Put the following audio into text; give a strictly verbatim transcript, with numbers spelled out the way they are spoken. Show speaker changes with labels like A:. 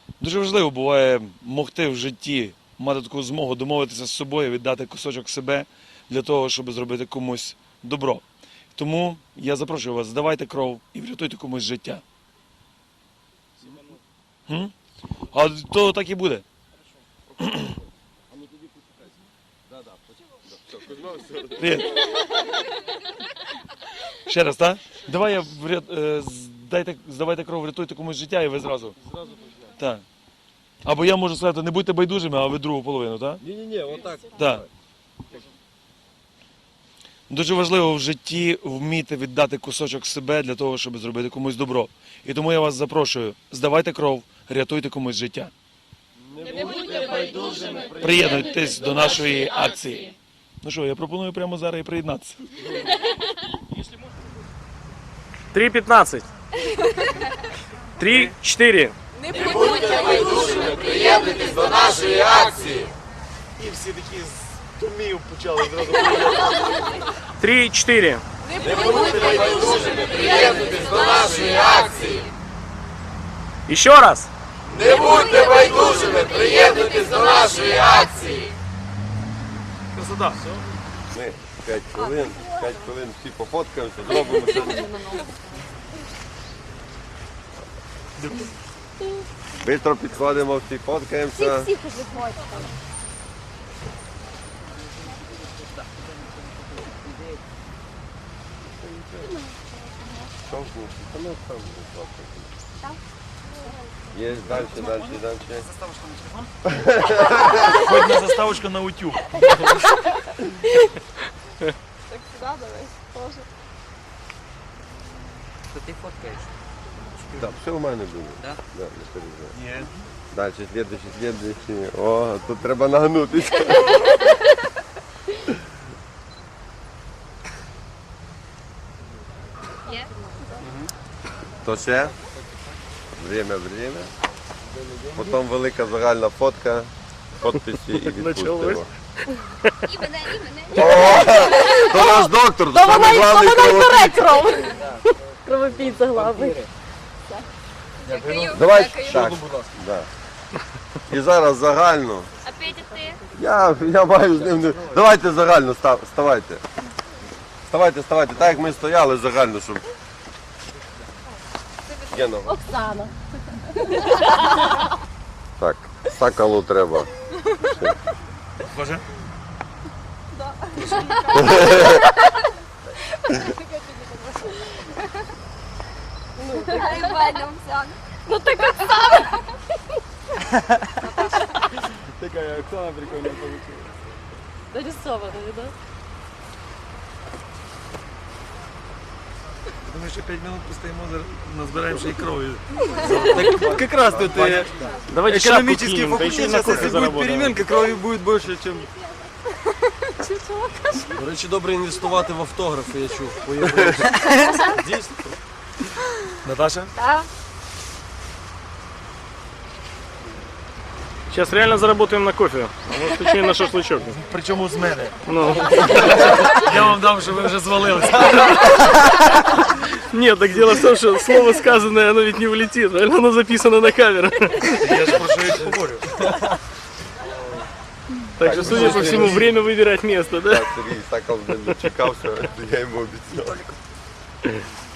A: Дуже важливо буває могти в житті, мати таку змогу домовитися з собою, віддати кусочок себе для того, щоб зробити комусь добро. Тому я запрошую вас, здавайте кров і врятуйте комусь життя. М? А то так і буде. Привіт. Ще раз, так? Давай я вряд... е, здайте... здавайте кров, врятуйте комусь життя і ви зразу.
B: Зразу
A: Так. Або я можу сказати, не будьте байдужими, а ви другу половину, так?
B: Ні-ні-ні, отак.
A: Так. Дуже важливо в житті вміти віддати кусочок себе для того, щоб зробити комусь добро. І тому я вас запрошую, здавайте кров, рятуйте комусь життя.
C: Не будьте байдужими.
A: Приєднуйтесь до нашої акції. Ну що, я пропоную прямо зараз і приєднатися.
D: три пятнадцать. три четыре.
C: Не будьте байдужими. Приєднуйтесь до нашої акції.
A: І всі такі з тумів почали зразу.
D: три четыре.
C: Не будьте байдужими. Приєднуйтесь до нашої акції.
D: Еще раз.
C: Не будьте байдужими. Приєднуйтесь до нашої акції.
A: Красота.
B: Ми п'ять хвилин, п'ять хвилин всі пофоткаємося, зробимо це. Бистро підходимо, всі фоткаємося.
E: Всіх уже хватить.
B: Є, далі, далі, далі.
A: Хоть на заставочку на утюг.
E: Так сюди давай, теж.
F: Що ти фоткаєш?
B: Так, все в мене буде.
F: Да?
B: Да, не переживай.
A: Ні.
B: Далі, слідуючий, слідуючий. О, тут треба нагнутися.
E: Є?
B: То ще? Время, время. Потім велика загальна фотка, подписи і відпустимо.
E: І мене, і мене.
B: То наш доктор, то
E: Та вона
B: самий
E: й
B: главний
E: вона й бере
B: кровопій.
E: кров. Кровопійця главний.
B: Давай так. Да. І зараз загально.
E: А Петя ти?
B: Я, я маю з ним. не- Давайте загально став, ставайте. Ставайте, ставайте, так як ми стояли загально, щоб. Гена,
E: Оксана.
B: так, сакалу треба.
A: Боже?
E: Ну так Оксана.
B: Така Оксана прикольно вийшла.
E: Нарисована, да?
A: Думаю, що п'ять минут постоїмо, назбираємо ще й крові.
G: Так как раз тут э,
D: Давайте шапку
G: экономический
D: кинем, да еще
G: факультет,
D: на
G: сейчас
D: кофе
G: если будет
D: заработаем.
G: переменка, крові буде більше, ніж... До речі, добре інвестувати в автографи, я чув. Дійсно.
A: Наташа?
E: Так.
D: Сейчас реально заработаем на кофе. Ну, точнее, на шашлычок.
A: Причому з мене.
D: Ну.
A: Я вам дам, що ви вже звалилися.
D: Нет, так дело в том, что слово сказанное, оно ведь не улетит. Правильно? Оно записано на камеру.
A: Я ж про що і говорю.
D: Так что, судя по всему, время выбирать место, да?
B: Так, Сергій сакал не чекав, що я йому обіцяв.